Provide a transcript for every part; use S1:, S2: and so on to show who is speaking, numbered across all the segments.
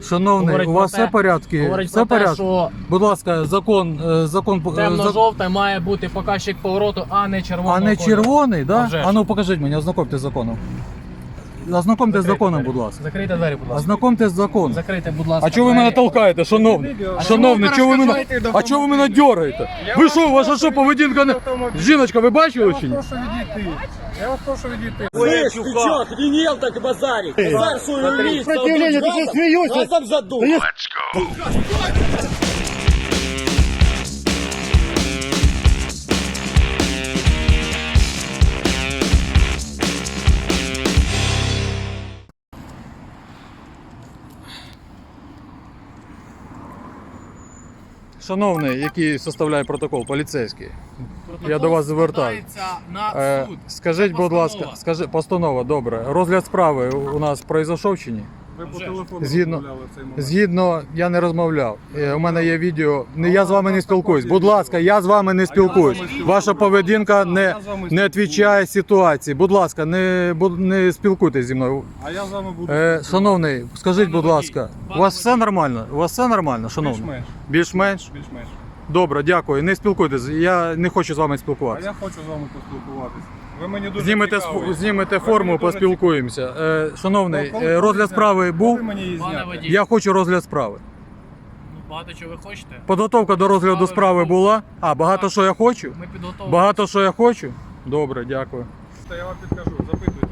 S1: Шановний, у вас все в порядку? Все в порядку? Будь ласка, закон...
S2: Темно-жовтий має бути показчик повороту, а не червоного
S1: А не
S2: кольору.
S1: червоний,
S2: А
S1: да?
S2: вже ж.
S1: А ну покажіть мені, ознакомте з законом. Ознакомте з законом, будь ласка.
S2: Закрийте двері, будь ласка.
S1: Ознакомте з законом.
S2: Закрийте, будь ласка.
S1: А чого ви мене толкаєте, шановний? Шановний, чого ви мене... А чого ви мене дергаєте? Ви що, ваша що, поведінка не... Жіночка, ви бачили чи ні?
S3: Я вас прошу відійти.
S4: Слышь, ты чё, охренел так базарить? Базар свою лист.
S3: Сопротивление, ты что смеешься?
S4: Я сам задул.
S1: Шановний, який составляє протокол, поліцейський, я до вас звертаюся.
S2: На суд.
S1: Скажіть, будь ласка, постанова, добре. Розгляд справи у нас пройшов чи ні?
S3: Ви по телефону
S1: Згідно,
S3: розмовляли в цей момент.
S1: згідно, я не розмовляв. У мене є відео. Я з вами не спілкуюсь. Будь ласка, я з вами не спілкуюсь. Ваша поведінка не відповідає ситуації. Будь ласка, не спілкуйтесь зі мною.
S3: А я з вами буду.
S1: Шановний, скажіть, будь ласка, у вас все нормально? У вас все нормально, шановний?
S3: Більш-менш.
S1: Більш-менш?
S3: Більш-менш.
S1: Добре, дякую. Не спілкуйтесь. Я не хочу з вами
S3: А
S1: спілкуватися.
S3: я хочу з вами поспілкуватися. Ви мені дуже
S1: Знімете
S3: цікаві.
S1: форму,
S3: Ви мені дуже
S1: поспілкуємося. Шановний,
S3: цікаві. Коли
S1: розгляд справи
S3: коли
S1: був.
S3: мені її
S2: Пане
S3: зняти?
S2: водій,
S1: Я хочу розгляд справи.
S2: багато чого ви хочете?
S1: Підготовка до розгляду справи була. А, багато що я хочу?
S2: Ми підготовлені.
S1: Багато що я хочу? Добре, дякую.
S3: Я вам підкажу, запитуйте.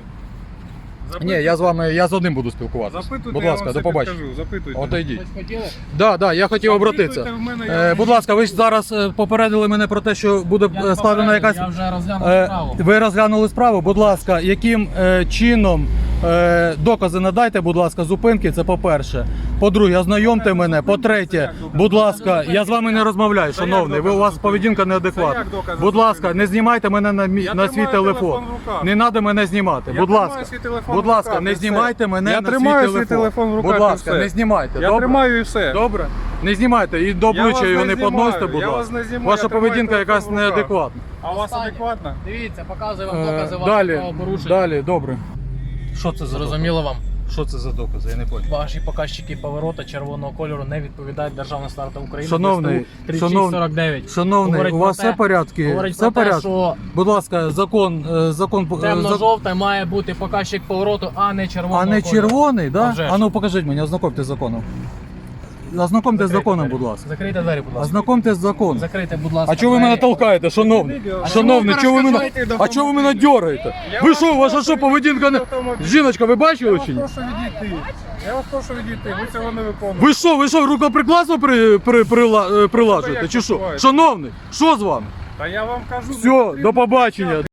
S1: Ні, я з одним буду спілкуватися.
S3: Запитуйте,
S1: Будь
S3: я
S1: ласка,
S3: вам
S1: до
S3: все
S1: побачення.
S3: підкажу. Запитуйте.
S1: Отойдіть.
S2: Щось хотіли?
S1: Да, я хотів обратитися.
S3: Запитуйте в мене, я вам
S1: Будь ласка, ви ж зараз попередили мене про те, що буде
S2: Я
S1: складена якась...
S2: Я вже розглянув справу.
S1: Ви розглянули справу, будь ласка, яким чином докази надайте, будь ласка, зупинки, це по-перше. По-друге, ознайомте мене. По-третє, будь ласка, я з вами не розмовляю, шановний, у вас поведінка неадекватна. Будь ласка, не знімайте мене на свій телефон. Не треба мене знімати, будь ласка. Будь ласка, не знімайте мене
S3: Я
S1: на
S3: тримаю
S1: свій
S3: свій телефон в руках.
S1: Будь
S3: і
S1: ласка,
S3: все.
S1: не знімайте,
S3: Я
S1: добре?
S3: тримаю і все.
S1: Добре? Не знімайте і до
S3: Я вас
S1: обличчя його
S3: не
S1: не підносите,
S3: знімаю,
S1: будь
S3: я вас
S1: ласка.
S3: не знімаю,
S1: Ваша
S3: я тримаю
S1: поведінка
S3: телефон
S1: якась
S3: в руках.
S1: неадекватна.
S3: А у вас адекватно?
S2: Дивіться, показую вам докази вашого
S1: Далі,
S2: правопорушення.
S1: далі, добре. Що це за
S2: Зрозуміло вам?
S1: Що це за докази? Я не понял.
S2: Ваші показчики поворота червоного кольору не відповідають державним стандартам України.
S1: Шановний,
S2: ДСТУ 3649.
S1: Шановний,
S2: Говорить
S1: у
S2: про
S1: вас
S2: те-
S1: все в порядку?
S2: Говорить
S1: Все в
S2: про те,
S1: порядку?
S2: що
S1: Будь ласка, закон...
S2: темно-жовтий має бути показчик повороту, а не червоного
S1: А не
S2: кольору.
S1: червоний,
S2: А
S1: да?
S2: вже ж.
S1: А ну покажіть мені, ознакомте з законом. Ознакомте з
S2: Закрийте
S1: законом,
S2: двері.
S1: будь ласка.
S2: Закрийте двері, будь ласка.
S1: Ознакомте з законом.
S2: Закрийте, будь ласка.
S1: А чого ви мене
S2: двері.
S1: толкаєте, шановний? Шановний, чого ви мене... А чого ви мене дергаєте? Ви що, ваша що, поведінка не... Жіночка, ви
S3: Я
S1: бачили
S3: вас
S1: чи ні?
S3: прошу відійти. Я вас прошу відійти. Ви цього не виконуєте.
S1: Ви що, рукоприкладство прилажуєте, чи що?
S3: відбувається?
S1: Шановний, що з вами?
S3: Та я вам кажу.
S1: Все, до побачення.